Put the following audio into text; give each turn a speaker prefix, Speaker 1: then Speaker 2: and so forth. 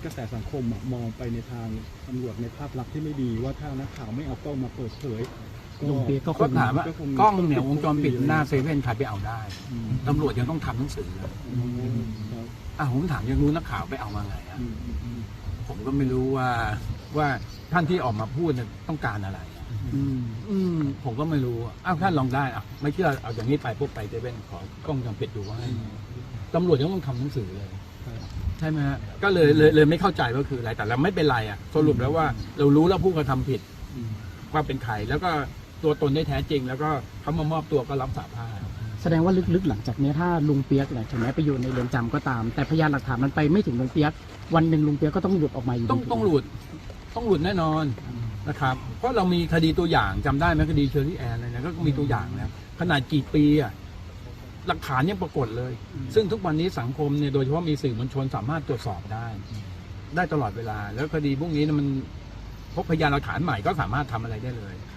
Speaker 1: กระแสสังคมมองไปในทางตำรวจในภาพลักษณ์ที่ไม่ดีว่าถ้านักข่าวไม่เอากล้องมาเปิดเผย
Speaker 2: ลุงเปียกก็
Speaker 3: ก็ถามว่ากล้องเนี่ยวงจรปิดหน้าเซเว่นใครไปเอาได้ตำรวจยังต้องทำหนังสือเลยผมถามยังรู้นักข่าวไปเอามาไงผมก็ไม่รู้ว่าท่านที่ออกมาพูดต้องการอะไรผมก็ไม่รู้ท่านลองได้ไม่เชื่อเอาอย่างนี้ไปปุ๊บไปเซเว่นขอกล้องวงจรปิดดูว่าตำรวจยังต้องทำหนังสือเลยใช่ไหมฮะก็เลยไม่เข้าใจว่าคืออะไรแต่เราไม่เป็นไรสรุปแล้วว่าเรารู้แล้วผู้กระทำผิดว่าเป็นใครแล้วก็ตัวตนได้แท้จริงแล้วก็เขามามอบตัวก็รับสารภาพ
Speaker 2: แสดงว่าลึกๆหลังจากนี้ถ้าลุงเปียกถึงแม้ไปอยู่ในเรือนจำก็ตามแต่พยานหลักฐานมันไปไม่ถึงลุงเปียกวันหนึ่งลุงเปียกก็ต้องหลุดออกมาอยู่
Speaker 3: ต้องหลุดแน่นอนนะครับเพราะเรามีคดีตัวอย่างจำได้ไหมคดีเชอรี่แอนอะไรนะก็มีตัวอย่างแล้วขนาดกี่ปีหลักฐานยังปรากฏเลยซึ่งทุกวันนี้สังคมเนี่ยโดยเฉพาะมีสื่อมวลชนสามารถตรวจสอบได้ตลอดเวลาแล้วคดีพวกนี้มันพบพยานหลักฐานใหม่ก็สามารถทำอะไรได้เลย